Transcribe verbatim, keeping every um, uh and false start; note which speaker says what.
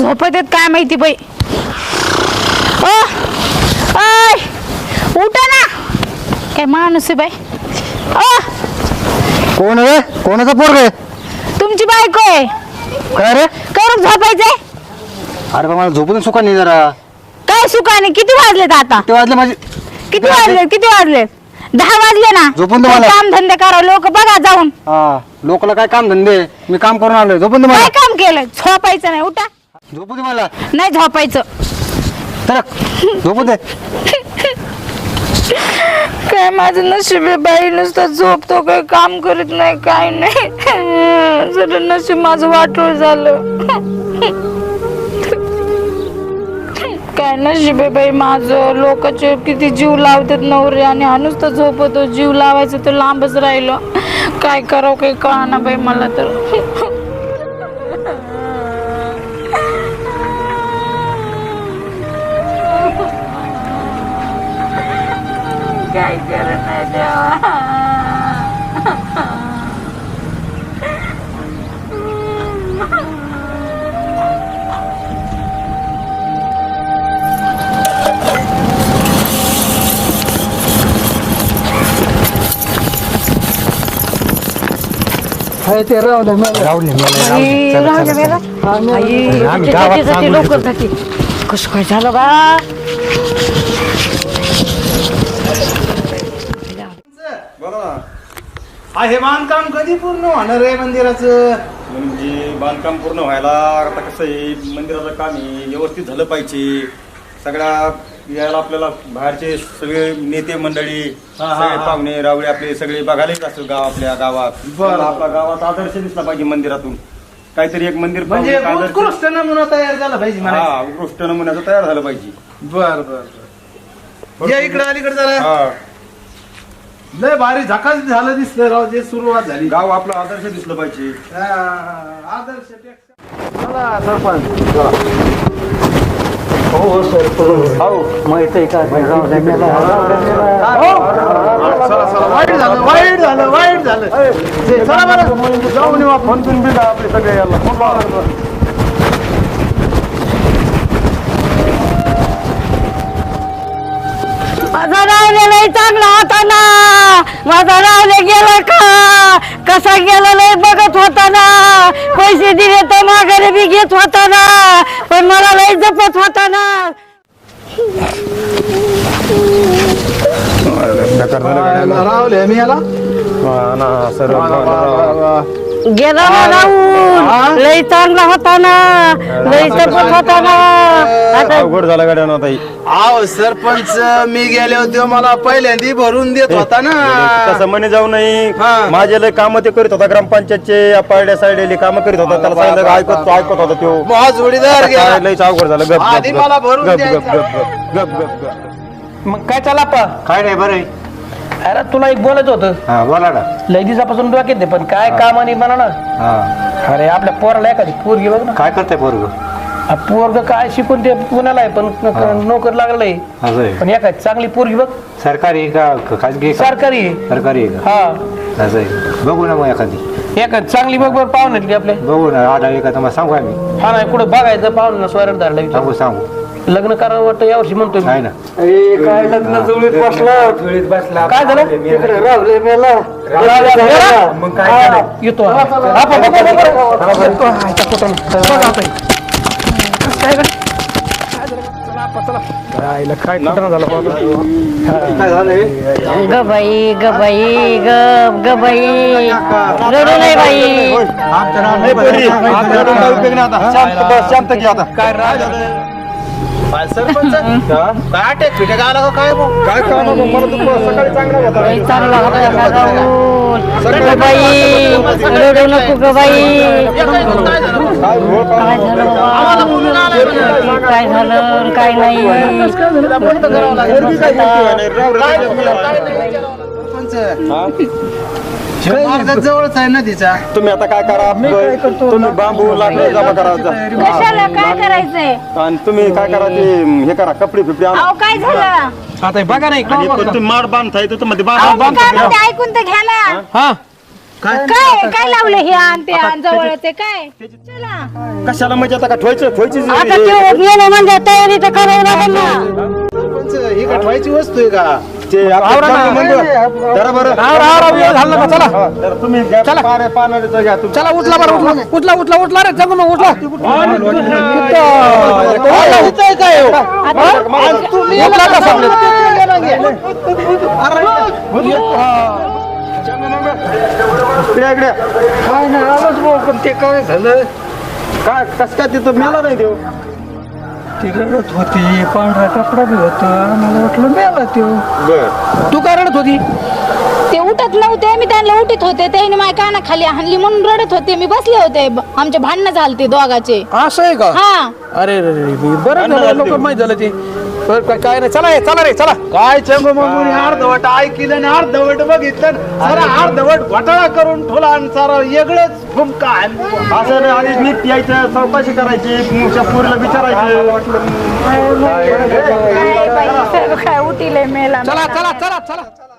Speaker 1: झोपत आहेत काय माहिती बाई. ओ ओय उठा ना. काय माणूस आहे बाई. ओ
Speaker 2: कोण रे? कोणाचा पोर रे?
Speaker 1: तुमची बायको आहे.
Speaker 2: काय रे?
Speaker 1: करून झोपायचंय.
Speaker 2: अरे मला झोपून सुका नाही जरा.
Speaker 1: काय सुखाने? किती वाजलेत आता?
Speaker 2: ते वाजले माझे.
Speaker 1: किती वाजले? किती वाजले? दहा वाजले ना.
Speaker 2: झोपून तुम्हाला
Speaker 1: काम धंदे करा लोक बघा जाऊन.
Speaker 2: हा लोकला काय काम धंदे? मी काम करून आलोय. झोपून तुम्हाला
Speaker 1: काय काम केलं? झोपायचं नाही. उठा.
Speaker 2: झोपू दे मला.
Speaker 1: नाही झोपायचं.
Speaker 2: तर झोपू दे.
Speaker 1: काय माझं नशीब आहे बाई. नुसतं झोपतो काही काम करत नाही काय नाही. जर नशीब माझं वाटोळ झालं. काय नशीब आहे बाई माझं. लोकांचे किती जीव लावतात नवरे आणि हा नुसतं झोपतो. जीव लावायचं तर लांबच राहिलं. काय करावं काही कळना बाई मला तर. काय करत नाही देवा.
Speaker 2: ते राहुल राहुल
Speaker 1: लवकर जाते. कसं काय झालं बा.
Speaker 3: हे बांधकाम कधी पूर्ण होणार आहे मंदिराचं? म्हणजे बांधकाम पूर्ण व्हायला आता कसं आहे, मंदिराचं काम आहे व्यवस्थित झालं पाहिजे. सगळ्या यायला आपल्याला बाहेरचे सगळे नेते मंडळी, सगळे पाहुणे रावळे आपले सगळे बघायला येत असतात गाव आपल्या गावात. आपल्या गावात आदर्श दिसला पाहिजे मंदिरातून. काहीतरी एक मंदिर
Speaker 4: म्हणजे उत्कृष्ट नमुना तयार झाला पाहिजे.
Speaker 3: हा उत्कृष्ट नमुन्याचं तयार झालं पाहिजे.
Speaker 4: बर बर या इकडे अलीकडे जरा. लय भारी झकास झालं दिसलं राव. जे सुरुवात झाली
Speaker 3: गाव आपलं आदर्श दिसलं पाहिजे.
Speaker 4: आदर्श चला सरपंच. हो सरपंच. हो माहित आहे का? वाईट झालं वाईट झालं वाईट झालं. चला बरं जाऊन येऊ आपण. फोन बिल आपले सगळे याला.
Speaker 1: माझा रावले लय चांगला होता ना. माझा रावले गेला का? कसा गेला लय बघत होता ना. पैसे दिले तर माघारी बी घेत होता ना. पण मला लय जपत होता ना.
Speaker 4: राहुल मी याला
Speaker 1: गेला ना राहुल. लय चांगला होता ना. लय जपत होता ना. आता
Speaker 3: अवघड झाला गाड्या ना ताई.
Speaker 4: आहो सरपंच मी गेले होते मला पहिल्यांदा भरून देत होता ना.
Speaker 3: तसं म्हणे जाऊ नाही. माझे लय काम ते करीत होता ग्रामपंचायतचे पारड्या साईडली काम करीत होता. त्याला सांगितलं ऐकत ऐकत होता तो.
Speaker 4: माझा जोडीदार गेला.
Speaker 3: लयच अवघड झालं. गप
Speaker 4: आधी
Speaker 3: गप
Speaker 4: मला भरून
Speaker 3: गप
Speaker 4: द्यायचं.
Speaker 3: गप गप गप गप गप.
Speaker 5: मग काय चला पा.
Speaker 2: काय नाही बरं.
Speaker 5: अरे तुला एक बोलायचं होतं.
Speaker 2: हा बोला ना.
Speaker 5: लय दिवसापासून डोक्यात आहे पण काय काम आणि म्हणा ना.
Speaker 2: हा
Speaker 5: अरे आपल्या पोराला एखादी पोरगी बघ ना.
Speaker 2: काय करताय पोरग?
Speaker 5: पोरग काय शिकून ते पुण्याला आहे पण नोकर लागलंय.
Speaker 2: असं आहे.
Speaker 5: पण एखादी चांगली पोरगी बघ.
Speaker 2: सरकारी का खाजगी?
Speaker 5: सरकारी आहे.
Speaker 2: सरकारी आहे का?
Speaker 5: हा
Speaker 2: असं आहे. बघू ना मग एखादी.
Speaker 5: एखादी चांगली बघ बरं पाहुण्यातली आपले.
Speaker 2: बघू ना आढळली का तुम्हाला सांगू आम्ही.
Speaker 5: हा नाही कुठं बघायचं पाहुण्या स्वयं धरलं
Speaker 2: सांगू सांगू.
Speaker 5: लग्न करावं वाटतं यावर्षी म्हणतोय मी.
Speaker 2: आहे ना.
Speaker 5: काय लग्न जुळीत बसला. काय झालं?
Speaker 4: मग काय झालं?
Speaker 5: येतो आपण काय
Speaker 1: ग बाई ग बाई ग ग बाई. रडू नाही बाई.
Speaker 3: शांत घ्या आता.
Speaker 4: काय राज सरपंच काय अटॅक फिटॅक आला का काय?
Speaker 3: काय काम मला तर सकाळी चांगला होता.
Speaker 1: लय चांगला होता ना राहुल. ग बाई रडू नको ग बाई. काय झालं बाबा? काय झालं काय नाही.
Speaker 4: जवळच आहे नदीचा.
Speaker 3: तुम्ही आता काय करा? तुम्ही बांबू लाकडं जमा करा.
Speaker 1: कशाला काय करायचंय?
Speaker 3: आणि तुम्ही काय करा ते हे करा कपडे फिपडे आणा.
Speaker 1: अहो काय झालं?
Speaker 5: आता बघा नाही
Speaker 3: आणि पण तुम्ही माड बांधताय तर मध्ये
Speaker 1: अहो, मी काय म्हणते ऐकून तर घ्या ना.
Speaker 5: हा
Speaker 4: काय
Speaker 6: काय काय लावलं हे आण ते आण जवळच आहे काय चला
Speaker 3: कशाला म्हणजे आता का ठेवायचं ठेवायची
Speaker 1: आता ते गेले म्हणजे तयारी तर करावी लागेल ना
Speaker 4: सरपंच ही का ठेवायची वस्तू आहे का
Speaker 3: ते आपलं चांगलं मंदिर. जरा बरं
Speaker 5: राव राव राव वेळ झाला का चला
Speaker 3: हा, जरा तुम्ही घ्या, पारे- पानाडीचं घ्या तुम्ही.
Speaker 5: चला उठला बरं उठला उठला उठला उठला रे जगू मग उठला
Speaker 4: इथं काय हो?
Speaker 5: उठला का समजलं?
Speaker 3: इकडे इकडे
Speaker 2: काय नाही आलोच भाऊ पण ते काय झालं
Speaker 3: काय कस काय तिथं मेला नाही देऊ
Speaker 2: ती रडत होती पांढरा कपडा बी होता मला वाटलं मेला त्यो
Speaker 3: बर
Speaker 5: तू काय रडत होती
Speaker 6: ते उठत नव्हते मी त्यांना उठीत होते त्याने माझ्या कानाखाली हाणली म्हणून रडत होते मी बसले होते ब- आमचे भांडणं झालते दोघाचे
Speaker 5: असं आहे का
Speaker 6: हा
Speaker 5: अरे रे रे मी बरं झालं लोक माहित झालं ते बरं, काय- काय नाही चला हे, चला रे चला
Speaker 4: काय चंगू मगून अर्धवट ऐकलं आणि अर्धवट बघितलं सारा अर्धवट घोटाळा करून ठेवला आणि सारा वेगळंच फुमका आणली.
Speaker 3: असं नाही आधीच नीट यायचं चौकशी करायची तुमच्या पोरीला विचारायचं
Speaker 6: काय बाई, सर्व काय उठीले मेला
Speaker 5: चला चला चला चला